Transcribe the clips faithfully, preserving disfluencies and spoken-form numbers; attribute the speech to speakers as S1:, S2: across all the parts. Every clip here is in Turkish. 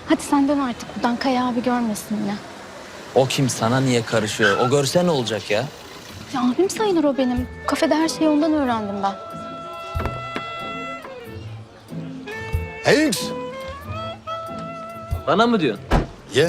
S1: Hadi sen dön artık buradan, Kaya abi görmesin yine.
S2: O kim, sana niye karışıyor? O görse ne olacak ya?
S1: Ya abim sayılır o benim. Kafede her şeyi ondan öğrendim ben.
S3: Hayır.
S2: Bana mı diyorsun?
S3: Ye.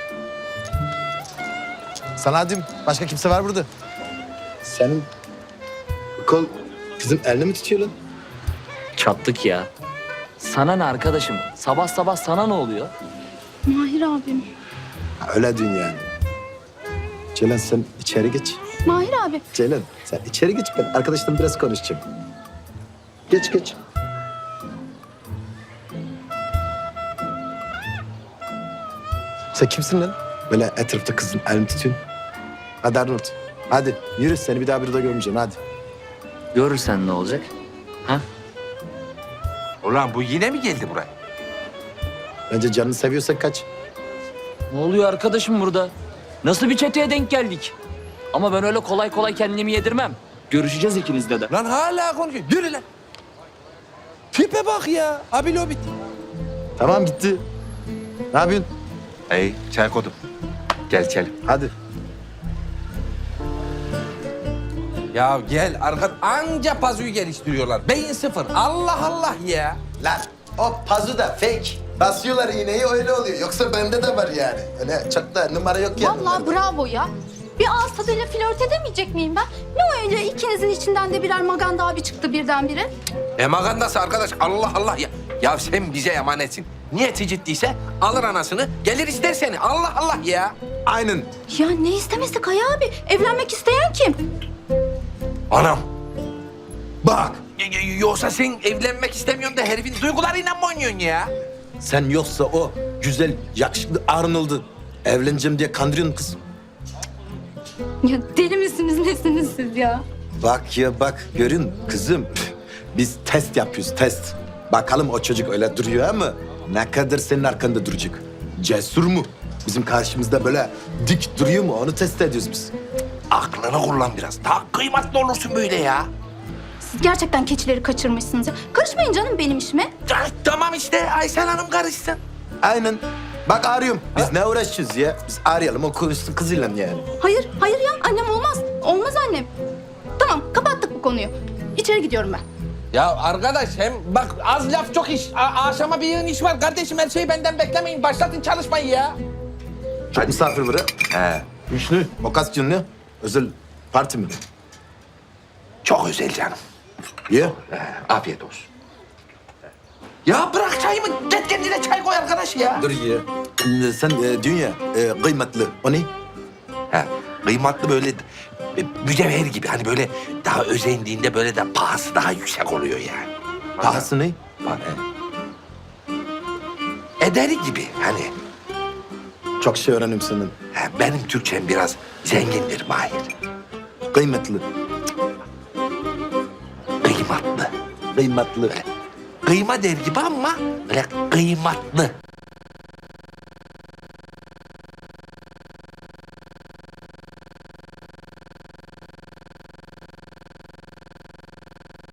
S3: Sana dedim, başka kimse var burada. Senin kol kızım elini mi tutuyor lan?
S2: Çattık ya. Sana ne arkadaşım? Sabah sabah sana ne oluyor?
S1: Mahir abim.
S3: Ha, öyle diyorsun yani. Ceylan sen içeri geç.
S1: Mahir abi.
S3: Ceylan sen içeri geç, ben arkadaşlarım biraz konuşacağım. Geç geç. Sen kimsin lan? Böyle etrafta kızın elini tutuyorsun. Hadi Arnold. Hadi yürü, seni bir daha burada görmeyeceğim hadi.
S2: Görürsen ne olacak? Ha?
S4: Ulan bu yine mi geldi buraya?
S3: Bence canını seviyorsan kaç.
S2: Ne oluyor arkadaşım burada? Nasıl bir çeteye denk geldik? Ama ben öyle kolay kolay kendimi yedirmem. Görüşeceğiz ikinizle de.
S4: Lan hala konuşuyor. Yürü lan. Tipe bak ya. Abi lobi.
S3: Tamam bitti. Ne yapıyorsun?
S4: Hey çay koydum. Gel içelim.
S3: Hadi.
S4: Ya gel arka anca pazuyu geliştiriyorlar. Beyin sıfır. Allah Allah ya.
S3: Lan o pazu da fake. Basıyorlar iğneyi öyle oluyor. Yoksa bende de var yani. Öyle çok da numara yok yani.
S1: Vallahi bravo ya. Bir ağız tadıyla flört edemeyecek miyim ben? Ne öyle ikinizin içinden de birer maganda abi çıktı birdenbire.
S4: E magandası arkadaş. Allah Allah ya. Ya sen bize emanetsin. Niyeti ciddiyse alır anasını, gelir ister seni. Allah Allah ya.
S3: Aynen.
S1: Ya ne istemesi Kaya abi? Evlenmek isteyen kim?
S4: Anam. Bak. y- y- Yoksa sen evlenmek istemiyorsun da herifin duygularıyla mı oynuyorsun ya?
S3: Sen yoksa o güzel, yakışıklı Arnold'u evleneceğim diye kandırıyorsun kız.
S1: Ya deli misiniz nesiniz siz ya?
S3: Bak ya bak, görün kızım. Püh, biz test yapıyoruz, test. Bakalım o çocuk öyle duruyor ama ne kadar senin arkanda duracak? Cesur mu? Bizim karşımızda böyle dik duruyor mu? Onu test ediyoruz biz.
S4: Aklını kullan biraz. Daha kıymetli olursun böyle ya.
S1: Siz gerçekten keçileri kaçırmışsınız ya. Karışmayın canım benim işime.
S4: Ya tamam işte Aysel Hanım karışsın.
S3: Aynen. Bak arıyorum. Biz ne uğraşıyoruz ya? Biz arayalım, o konuşsun kızıyla yani.
S1: Hayır, hayır ya. Annem olmaz. Olmaz annem. Tamam, kapattık bu konuyu. İçeri gidiyorum ben.
S4: Ya arkadaş hem bak az laf çok iş. A aşama bir yığın iş var. Kardeşim her şeyi benden beklemeyin. Başlatın çalışmayı ya.
S3: Çok misafir var ha.
S4: He.
S3: Üçlü, okasyon ne? Özel parti mi?
S4: Çok özel canım.
S3: Ye.
S4: He, afiyet olsun. Ya bırak çayımı. Git kendine çay koy arkadaş ya.
S3: Dur ye. Ee, Sen e, dünya e, kıymetli. O ne?
S4: He, kıymatlı böyle e, mücevher gibi. Hani böyle daha özendiğinde böyle de pahası daha yüksek oluyor yani.
S3: Pahası ne?
S4: Bak, he. Ederi gibi hani.
S3: Çok şey öğrendim senin.
S4: He, benim Türkçem biraz zengindir Mahir.
S3: Kıymetli.
S4: Kıymatlı.
S3: Kıymetli.
S4: Kıyma der gibi ama böyle kıymatlı.